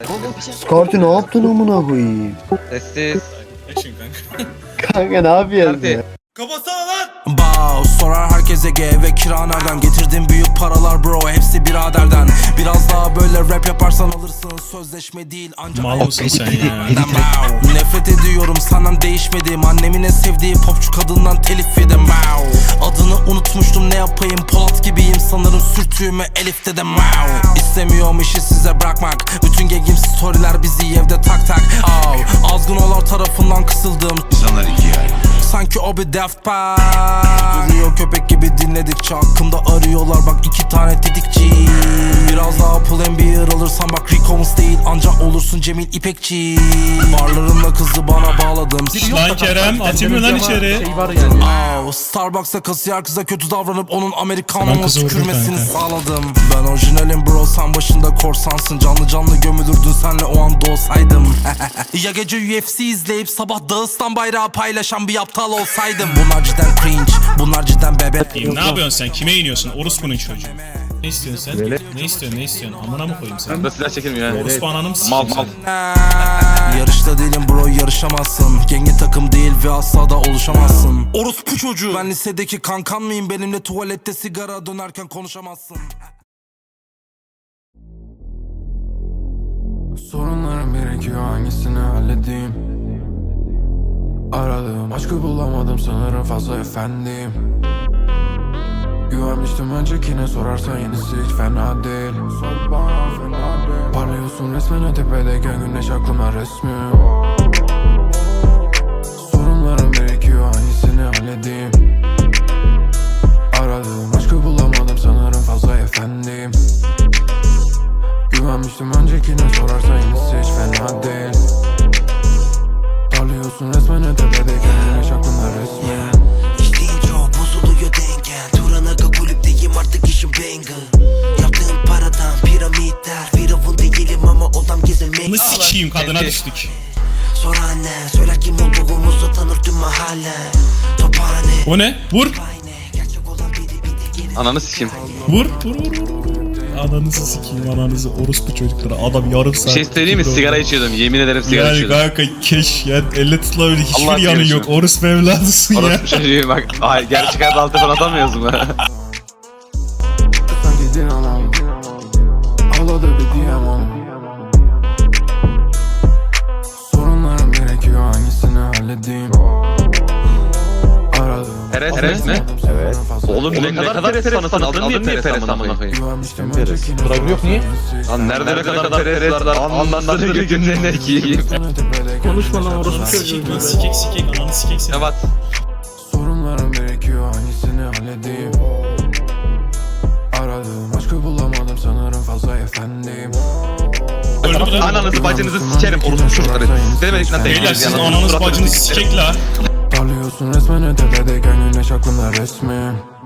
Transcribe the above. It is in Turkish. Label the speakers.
Speaker 1: Skartı ne yaptın amına koyayım?
Speaker 2: Sessiz.
Speaker 3: Action kanka.
Speaker 1: Kanka ne yapıyorsun ya?
Speaker 3: Kapatsana lan.
Speaker 4: Bow sorar herkese G ve kira nereden? Getirdim büyük paralar bro, hepsi biraderden. Biraz daha böyle rap yaparsan alırsın, sözleşme değil ancak
Speaker 3: Mal mısın sen ya?
Speaker 4: Bow. Nefret ediyorum senden, değişmedim. Annemin en sevdiği popçu kadından telif yedim. Bow. Adını unutmuştum, ne yapayım, Polat gibiyim sanırım, sürtüğüme Elif dedim. Bow. İstemiyorum işi size bırakmak, bütün gengim storyler bizi evde tak tak. Azgınolar tarafından kısıldım,
Speaker 5: İnsanlar ikiye ayrılır.
Speaker 4: sanki o bir Daft Punk. Duruyor köpek gibi dinledikçe, hakkımda arıyorlar bak iki tane tetikçi. Biraz daha pull and beer alırsan bak Rico'muz değil ancak olursun Cemil İpekçi. Barlarımla kızı bana bağladım.
Speaker 3: Lan Kerem atayım mı lan içeri?
Speaker 4: Starbucks'a kasiyer kıza kötü davranıp onun
Speaker 3: Lan
Speaker 4: Amerikanımı
Speaker 3: kızı vurdun
Speaker 4: tükürmesini
Speaker 3: kanka.
Speaker 4: sağladım. Ben orijinalim bro, sen başında korsansın. Canlı canlı gömülürdün senle o an doğsaydım. Ya gece UFC izleyip sabah Dağıstan bayrağı paylaşan bir aptal olsaydım. Bunlar cidden cringe, bunlar cidden bebe.
Speaker 3: Ne yapıyorsun sen? Kime iniyorsun? Orospu'nun çocuğu. Ne istiyorsun sen? Ne istiyorsun? Ne istiyorsun? Amına mı koyayım sen?
Speaker 2: Da silah çekilmiyor ya.
Speaker 3: Orospu ananı mı
Speaker 2: Mal
Speaker 3: sikeyim
Speaker 2: mal.
Speaker 3: sen?
Speaker 4: Yarışta değilim bro, yarışamazsın. Gengi takım değil ve asla da oluşamazsın. Orospu çocuğu. Ben lisedeki kankan mıyım? Benimle tuvalette sigara dönerken konuşamazsın.
Speaker 6: Sorunlarım birikiyor, hangisini halledeyim? Aradığım aşkı bulamadım sanırım, fazla efendiyim. Güvenmiştim öncekine, sorarsan yenisi hiç fena değil. Parlıyorsun resmen tepedeyken güneş aklıma resmi. Sorunlarım birikiyor, hangisini halledeyim? Aradığım aşkı bulamadım sanırım, fazla efendiyim. Güvenmiştim öncekine, sorarsan yenisi hiç fena değil. Parlıyorsun resmen tepedeyken güneş aklımda resmi.
Speaker 4: İşliğin çok bozuluyor dengen. Turanaka kulüpteyim artık, işim banger. Yaptığım paradan piramitler. Firavun değilim ama odam gezilmek.
Speaker 3: Bunu sikeyim, kadına düştük.
Speaker 4: Sor anne, söyler kim olduğumuzu tanır tüm mahalle. Tophane.
Speaker 3: O ne? Vur.
Speaker 4: Gerçek olan biri
Speaker 2: Ananı sikeyim.
Speaker 3: Vur. Ananızı sikeyim, ananızı, orospu çocukları. Adam yarım saat.
Speaker 2: Bir şey söyleyeyim mi? Sigara içiyordum. Yemin ederim sigara
Speaker 3: Yani
Speaker 2: içiyordum.
Speaker 3: kanka keş ya, elle tutulabilir hiçbir
Speaker 2: Allah
Speaker 3: yanı
Speaker 2: korusun.
Speaker 3: yok. Orospu evladısın ya.
Speaker 2: Orospu çocuğu bak. Ay, gerçek hayat altı falan atamıyoruz mu?
Speaker 6: Sanki dinamam, ağladı bir diyem onu. Sorunlarım gerekiyor, hangisini halledeyim? Aradığım
Speaker 2: Peres mi?
Speaker 6: evet.
Speaker 2: Oğlum ne kadar Peres fanısın? Aldın niye Peres amına koyayım?
Speaker 6: Güvenmiştim öncekine, sorarsan yok niye?
Speaker 2: Lan nerede ne kadar Peres var? Anlatsana götünden ekiyim.
Speaker 6: Konuşma lan orası.
Speaker 3: Sikek ananı sikek sen.
Speaker 2: Evet.
Speaker 6: Sorunlarım gerekiyor, hangisini halledeyim? Aradığım aşkı bulamadım sanırım, fazla efendiyim.
Speaker 3: Öldü lan.
Speaker 2: Ananızı bacınızı sikerim orospu çocukları. Demedik lan
Speaker 3: Beyler sizin ananız bacınız sikek la.
Speaker 6: Parlıyorsun resmen tepedeyken güneş aklımda resmi.